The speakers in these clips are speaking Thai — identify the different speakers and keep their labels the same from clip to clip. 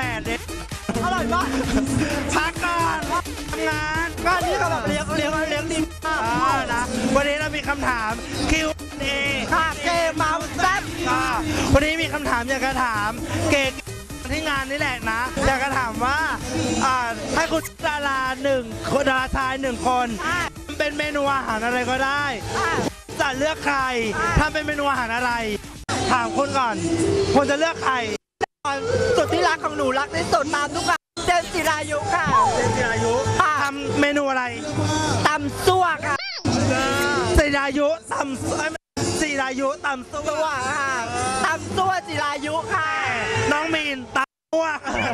Speaker 1: 8เนี่ย
Speaker 2: อร่อยมาก
Speaker 1: พักก่อนทำงาน
Speaker 2: งานนี้ก็แบบเลี้ยงดีมาก
Speaker 1: นะวันนี้เรามีคำถาม Q&A
Speaker 2: ค่ะเกมเมาแซ่บ
Speaker 1: วันนี้มีคำถามอยากจะถามเกณฑ์ที่งานนี่แหละนะอยากจะถามว่าให้คุณดาราดาราชาย1 คนเป็นเมนูอาหารอะไรก็ได้จะเลือกใครทำเป็นเมนูอาหารอะไรถามคุณก่อนคุณจะเลือกใคร
Speaker 2: สุดที่รักของหนูรักที่สุดตามทุกอย่างเจนจิรายุค่ะ
Speaker 1: เจนจิรายุทำเมนูอะไร
Speaker 2: ตำซั่วค่ะ
Speaker 1: จิรายุตำจิรายุตำซั่ว
Speaker 2: ค่ะตำซั่วจิรายุค่ะ
Speaker 1: น้องมีนตำซั่ว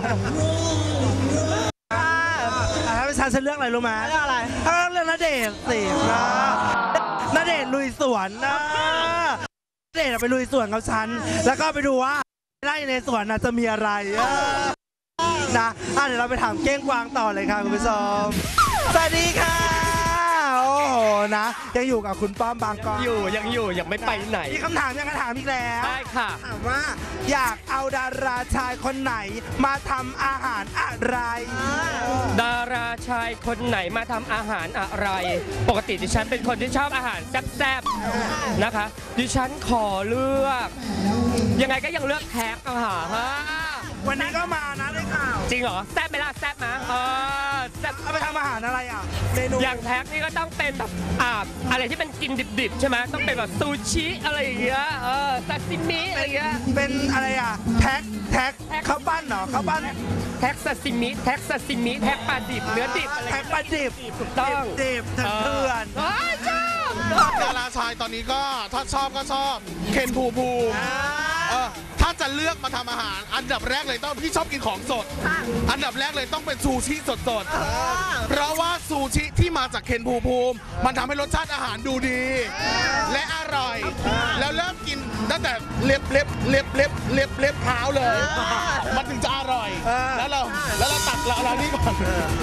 Speaker 1: ถ้าเป็นฉันเลือกอะไรรู้ไหม
Speaker 2: เลือกอะไร
Speaker 1: เลือกณเดชน์สิณเดชน์ลุยสวนนะณเดชน์ไปลุยสวนกับฉันแล้วก็ไปดูว่าไร่ในสวนจะมีอะไรนะเดี๋ยวเราไปถามเก้งกวางต่อเลยค่ะคุณผู้ชมสวัสดีค่ะโอ้โหนะยังอยู่กับคุณป้อมบางกอก
Speaker 3: ยังไม่ไปไหน
Speaker 1: มีคำถามถามอีกแล้ว
Speaker 3: ได้ค่ะ
Speaker 1: ถามว่าอยากเอาดาราชายคนไหนมาทำอาหารอะไร
Speaker 3: ดาราชายคนไหนมาทำอาหารอะไรปกติดิฉันเป็นคนที่ชอบอาหารแซ่บๆนะคะดิฉันขอเลือกยังไงก็ยังเลือกแท็กอะค่ะ
Speaker 1: วันนี้ก็มานะได้ข่าว
Speaker 3: จริงเหรอแซ่บไหมล่ะแซ่บนะ
Speaker 1: แซ่บเอาไปทำอาหารอะไรเมนู
Speaker 3: อย่างแท็กนี่ก็ต้องเป็นแบบอะไรที่เป็นกินดิบๆใช่ไหมต้องเป็นแบบซูชิอะไรอย่างเงี้ยซาซิมิอะไรอย่างเงี้ย
Speaker 1: เป็นอะไรแท็กข้าวปั้นเหรอข้าวปั้น
Speaker 3: แท็กซาซิมิแท็กปลาดิบเนื้อดิบอะไร
Speaker 1: แท็กปลาดิบ
Speaker 3: ถูกต้อง
Speaker 1: ดิบเถื่อน
Speaker 4: ดาราชายตอนนี้ก็ถ้าชอบก็ชอบเคนภูมิถ้าจะเลือกมาทำอาหารอันดับแรกเลยต้องพี่ชอบกินของสดอันดับแรกเลยต้องเป็นซูชิสดเพราะว่าซูชิที่มาจากเคนภูมิมันทำให้รสชาติอาหารดูดีและอร่อยแล้วเริ่มกินตั้งแต่เล็บเท้าเลยมันถึงจะอร่อยแล้วเราตัดเรานี่ก่อน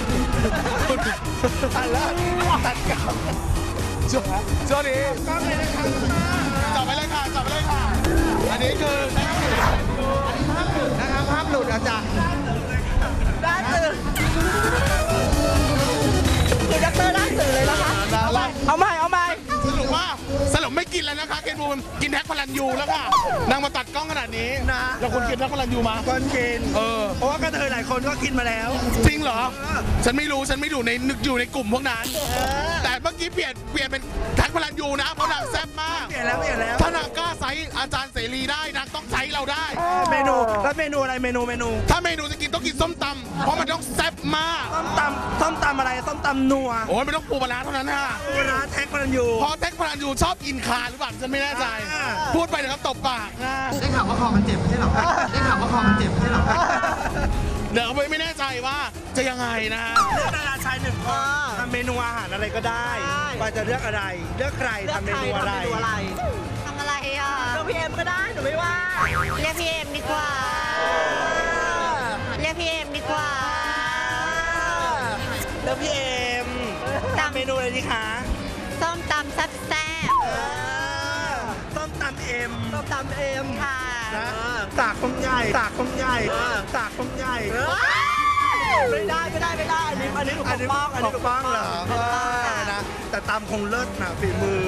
Speaker 4: แล้วตัดกับช่วงนี้จับไปเลยค่ะอันนี้คือนะครับภาพหลุดอาจารย์
Speaker 2: ด้านตื่นคือดักเตอร์ด้านตื่นเลยนะคะเอาใหม่
Speaker 4: สรุปไม่กินแล้วนะคะเคนบูมกินแท็กพลันยูแล้วค่ะนางมาตัดกล้องขนาดนี้
Speaker 1: นะ
Speaker 4: แล้วคุณกินแท็กพลันยูมา
Speaker 1: คนกินเพราะว่ากระเทยหลายคนก็กินมาแล้ว
Speaker 4: จริงเหรอฉันไม่รู้อยู่ในกลุ่มพวกนั้นแต่เมื่อกี้เปลี่ยนเป็นแท็กพลันยูนะเพราะนางแซ่บมาก
Speaker 1: เปลี่ยนแล้ว
Speaker 4: ถ้านางกล้าใช้อาจารย์เสรีได้นางต้องใช้เราได้
Speaker 1: เมนูแล้วเมนูอะไรเมนู
Speaker 4: ถ้าเมนูจะกินต้องกินส้มตำเพราะมันต้องแซ่บมาก
Speaker 1: ส้มตำอะไรส้มตำนัว
Speaker 4: โอ้ยไม่ต้องปูปลาร้าเท่านั้นค่ะ
Speaker 1: ปูปลาร้าแท็กพลันยู
Speaker 4: เพราะแท็กพลันยูชอบกินคาหรือเปล่าฉันไม่แน่ใจพูดไปนะครับตบปาก
Speaker 5: ได้ข่าวว่าคอมันเจ็บไม่ใช่หรอได้ข่าวว่าคอมันเจ็บไม่ใช่หรอ
Speaker 4: เดี๋ยวไม่แน่ใจว่าจะยังไงนะ
Speaker 1: เลือกดาราชาย1 คนทำเมนูอาหารอะไรก็ได้ว่าจะเลือกอะไรเลือกใครทำเมนูอะไร
Speaker 6: ทำอะไร
Speaker 2: เลือกพี่เอ็มก็ได้หนูไม่ว่า
Speaker 6: เรียกพี่เอ็มดีกว่าเลือกพี่เอ็ม
Speaker 1: ทำเมนูอะไรดีคะ
Speaker 6: ส้มตำแซ่บ
Speaker 1: ส้มตำเอ็ม
Speaker 6: ค่ะ
Speaker 1: สากคมใหญ่
Speaker 2: ไม่ได้อันนี้ถูกต้อง
Speaker 1: เหรอนะแต่ตำคงเลิศนะฝีมือ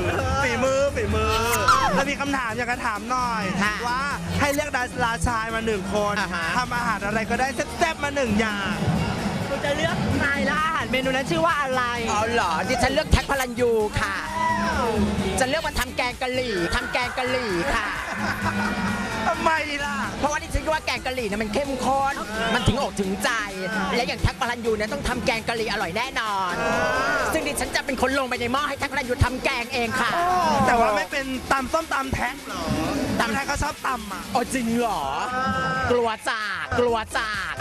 Speaker 1: ถ้ามีคำถามอยากจะถามหน่อยว่าให้เลือกดาราชายมา1 คนทำอาหารอะไรก็ได้แซ่บๆมา1 อย่าง
Speaker 2: คุณจะเลือกใครและอาหารเมนูนั้นชื่อว่าอะไร
Speaker 7: เหรอดิฉันเลือกแท็กพลันยูค่ะจะเลือกมาทำแกงกะหรี่ค่ะ
Speaker 1: ทำไมล่ะ
Speaker 7: เพราะว่าดิฉันคิดว่าแกงกะหรี่เนี่ยมันเข้มข้นมันถึงอกถึงใจและอย่างแท็กพลันยูเนี่ยต้องทำแกงกะหรี่อร่อยแน่นอนซึ่งดิฉันจะเป็นคนลงไปในหม้อให้แท็กพลันยูทำแกงเองค่ะ
Speaker 1: แต่ว่าไม่เป็นตำส้มตำแท็กหรอตำแท็กเขาชอบตำ
Speaker 7: อ๋อจริงเหรอกลัวจากกลัวสาก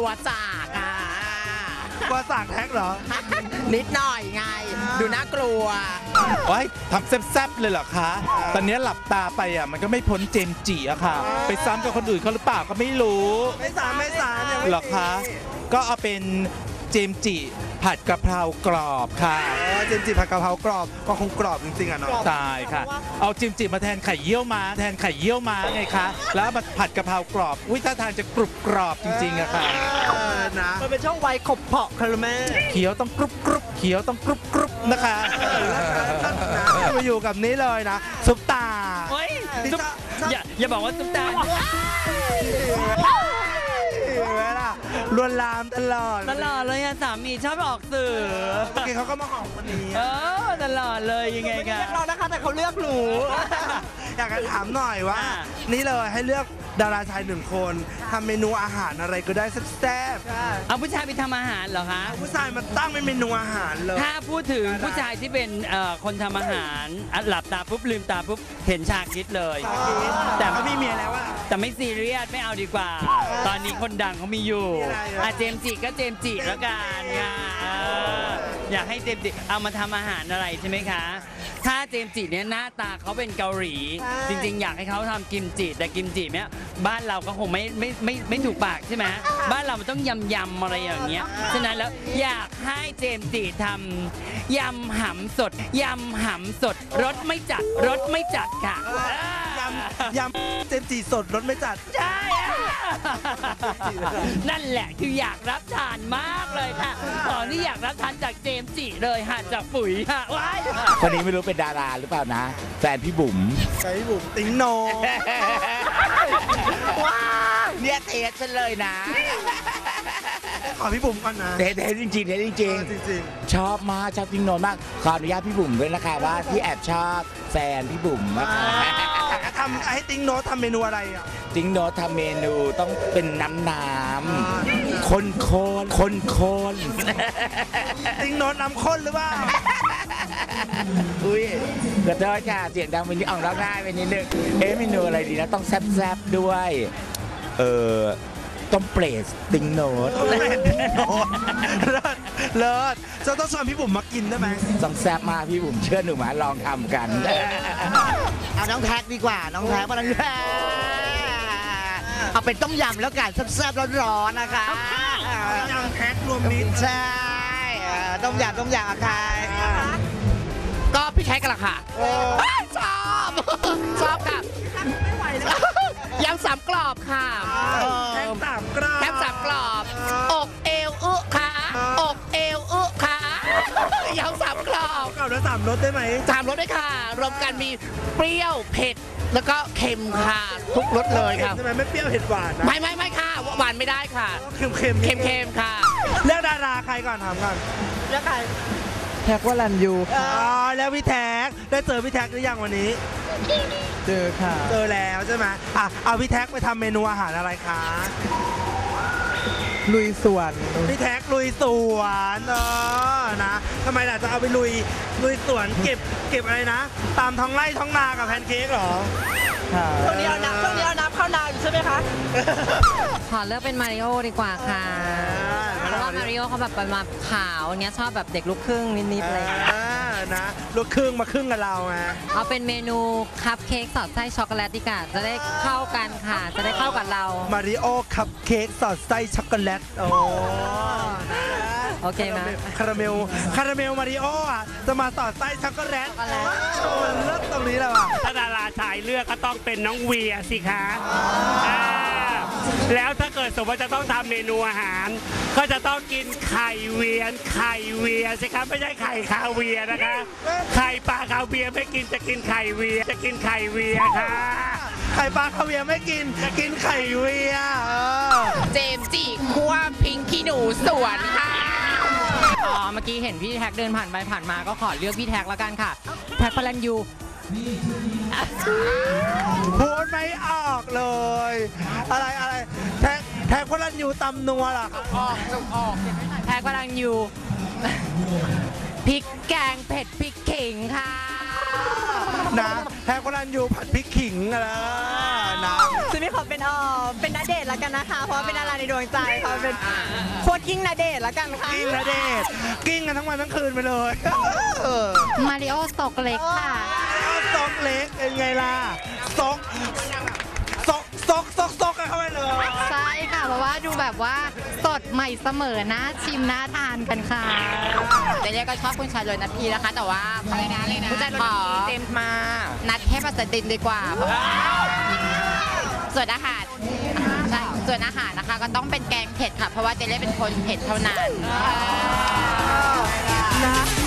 Speaker 1: แท็กเหรอ
Speaker 7: นิดหน่อยไงดูน่ากลัว
Speaker 8: โอ้ยทำแซ่บๆเลยเหรอคะตอนนี้หลับตาไปมันก็ไม่พ้นเจมจีอะค่ะไปซ้ำกับคนอื่นเขาหรือเปล่าก็ไม่รู้
Speaker 1: ไม่ซ้ำ
Speaker 8: หรอคะก็เอาเป็นเจมส์จิผัดกะเพรากรอบค่ะ
Speaker 1: เจมส์จิผัดกะเพรากรอบก็คงกรอบจริงๆอ่ะเนาะ
Speaker 8: ตายค่ะ เอาเจมส์จิมาแทนไข่เยี่ยวม้าไงคะแล้วมาผัดกะเพรากรอบอุ้ยท่าทางจะกรุบกรอบจริงๆอะค่ะ
Speaker 1: นะ
Speaker 2: มันเป็นช่องวัยขบเพาะค่ะแม่
Speaker 8: เขียวต้องกรุบกรุบเขียวต้องกรุบกรุบนะคะ
Speaker 1: มาอยู่กับนี้เลยนะซุปตา
Speaker 3: เฮ้ยซุปอย่าบอกว่าซุปตา
Speaker 1: เห็นไหมล่ะลวนลามตลอด
Speaker 2: ตลอดเลยอะสามีชอบออกสื่อ
Speaker 1: เมื่อกี้เขาก็มาหอมวันนี้
Speaker 2: ตลอดเลยยังไงกันเลือกเรานะคะแต่เขาเลือกหนู
Speaker 1: อยากจะถามหน่อยว่า
Speaker 2: อ่า
Speaker 1: นี่เลยให้เลือกดาราชายหนึ่งคนทำเมนูอาหารอะไรก็ได้แซ่บ
Speaker 2: เอาผู้ชายไปทำอาหารเหรอคะ
Speaker 1: ๆผู้ชายมาตั้งเป็นเมนูอาหารเลย
Speaker 2: ถ้าพูดถึงผู้ชายที่เป็นคนทำอาหารหลับตาปุ๊บลืมตาปุ๊บเห็นชาคิดเลย
Speaker 1: แต่เขามีเมียแล้วอะ
Speaker 2: แต่ไม่ซีเรียสไม่เอาดีกว่า ตอนนี้คนดังเขามีอยู่
Speaker 1: มีอะไรอ่ะ
Speaker 2: เจมส์จิก็เจมส์จิแล้วกันค่ะอยากให้เจมส์จิเอามาทำอาหารอะไรใช่ไหมคะ ถ้าเจมส์จิเนี่ยหน้าตาเขาเป็นเกาหลี จริงๆ อยากให้เขาทำกิมจิแต่กิมจิเนี่ยบ้านเราก็คงไม่ถูกปากใช่ไหมบ้านเรามันต้องยำอะไรอย่างเงี้ยฉะนั้นแล้วอยากให้เจมส์จิทำยำหำสดรสไม่จัดค่ะ
Speaker 1: ยำเจมส์จีสดรสไม่จัด
Speaker 2: ใช่อะนั่นแหละคืออยากรับทานมากเลยค่ะ ตอนนี้อยากรับทานจากเจมส์จิเลยค่ะจากปุ๋ยค่ะว้าย
Speaker 9: คนนี้ไม่รู้เป็นดาราหรือเปล่านะ แฟนพี่บุ๋ม
Speaker 1: ใส่บุ๋มติ๊งโน
Speaker 9: ว้าวเนี่ยเทสฉันเลยนะ
Speaker 1: ขอพี่บุ๋มก่อนนะ
Speaker 9: เทสจริงๆเทสจริง
Speaker 1: จริง
Speaker 9: ๆ ชอบมากชอบจริงโนนมาก ขออนุญาตพี่บุ๋มด้วยนะคะว่าที่แอบชอบแฟนพี่บุ๋มนะคะ
Speaker 1: ๆทำให้ติ๊งโนทำเมนูอะไรอ่ะ
Speaker 9: จริงโนนทำเมนูต้องเป็นน้ำข้น
Speaker 1: ติ๊งโนน้ำข้นหรือเปล่า
Speaker 9: อุ้ยกระโดดค่ะเสียงดังไปนิดออกร้องได้ไปนิดนึงเมนูอะไรดีนะต้องแซ่บๆด้วยต้มเปรตติงโนด
Speaker 1: เลิศจะต้องชวนพี่บุ๋มมากินได้ไหม
Speaker 9: ต้องแซ่บมากพี่บุ๋มเชื่อหนูมาลองทำกัน
Speaker 7: เอาน้องแท็กดีกว่าน้องแท็กมาเลยเอาเป็นต้มยำแล้วกันแซ่บๆร้อนๆนะคะ
Speaker 1: ยำแพ็ครวมมิตร
Speaker 7: ใช่ต้มยำอะค่ะก็พี่แท็กกันละค่ะชอบค่ะยำสามกรอบค่ะ
Speaker 1: แพ็คสามกรัม
Speaker 7: แคบสามกรอบอกเอวค่ะอกเอวค่ะยำสามกรอบ
Speaker 1: เก่าแล้ว3 รสได้ไหม
Speaker 7: สามรสด้วยค่ะ รวมกันมีเปรี้ยวเผ็ดแล้วก็เค็มค่ะ ทุกรสเลยครับ
Speaker 1: ใช่ไหมไม่เปรี้ยวเผ็ดหวานนะ
Speaker 7: ไม่ค่ะหวานไม่ได้ค่ะ
Speaker 1: เค็ม
Speaker 7: เค็มค่ะ
Speaker 1: เลือกดาราใครก่อนถามก่อน
Speaker 2: เลือกใคร
Speaker 1: แท็กว่ารันยูแล้วพี่แท็กได้เจอพี่แท็กหรือยังวันนี้
Speaker 2: เจอค่ะ
Speaker 1: เจอแล้วใช่ไหมเอาพี่แท็กไปทำเมนูอาหารอะไรคะ
Speaker 2: ลุยสวน
Speaker 1: พี่แท็กลุยสวนนะทำไมล่ะจะเอาไปลุยสวนเก็บอะไรนะ ตามท้องไร่ท้องนากับแพนเค้กเหรอ
Speaker 2: ช่วงนี้เอาน้ำเข้านาอยู่ใช่ไหมคะ
Speaker 6: ขอเลือกเป็นมาริโอดีกว่าค่ะเพราะว่ามาริโอเขาแบบมาขาวเนี้ยชอบแบบเด็กลูกครึ่งนิดๆเลย
Speaker 1: นะลูกครึ่งมาครึ่งกับเราไง
Speaker 6: เอาเป็นเมนูคัพเค้กสอดไส้ช็อกโกแลตดีกว่าจะได้เข้ากันค่ะ จะได้เข้ากับเรา
Speaker 1: มาริโอคัพเค้กสอดไส้ช็อกโกแลต
Speaker 6: โอเคไหม
Speaker 1: คาราเมลมาริโออ่ะจะมาสอดไส้ช็อกโกแลตมันเลิศตรงนี้แล้วอ่ะ
Speaker 10: ถ้าดาราชายเลือกก็ต้องเป็นน้องเวียสิคะแล้วถ้าเกิดสมมติว่าจะต้องทำเมนูอาหาร ก็จะต้องกินไข่เวียสิครับไม่ใช่ไข่คาเวียนะคะ ไข่ปลาคาเวียไม่กินจะกินไข่เวียค่ะ
Speaker 1: ไข่ปลาคาเวียร์ไม่กินไข่เวียร์
Speaker 7: เจมส์จิคั่วพริงขี้หนูสวนค่ะ
Speaker 6: เมื่อกี้เห็นพี่แท็กเดินผ่านไปผ่านมาก็ขอเลือกพี่แท็กแล้วกันค่ะแท็กพลันยู
Speaker 1: พูดไม่ออกเลย อะไรแท็กพลันยูตำนัวล่ะ
Speaker 6: แท็กพลันยูพริกแกงเผ็ดพริกขิงค่ะ
Speaker 1: นะแท็กพลันยูผัดพริกขิงอะไรนะ
Speaker 2: ซึ่งพี่ขอเป็นณเดชน์แล้วกันนะคะ เพราะว่าเป็นดาราในดวงใจเขาเป็นโคตรกิ้งณเดชน์แล้วกันค่ะ
Speaker 1: กิ้งนะเดชกิ้งกันทั้งวันทั้งคืนไปเลย
Speaker 6: มาริโอสตอกเล็กค่ะ
Speaker 1: ซอกเล็กเป็นไงล่ะซอกกันเข้าไปเลย
Speaker 6: ใช่ค่ะ
Speaker 11: เพราะว่าดูแบบว่าสดใหม่เสมอน่าชิมน่าทานกันค่ะ
Speaker 6: เจเล่ก็ชอบคุณชายเลยนะพี่นะคะ แต่ว่าผู้จัดขอเต็มมานัดแค่ปัสดินดีกว่าเพราะว่าส่วนอาหารใช่ส่วนอาหารนะคะก็ต้องเป็นแกงเผ็ดค่ะ เพราะว่าเจเล่เป็นคนเผ็ดเท่านั้น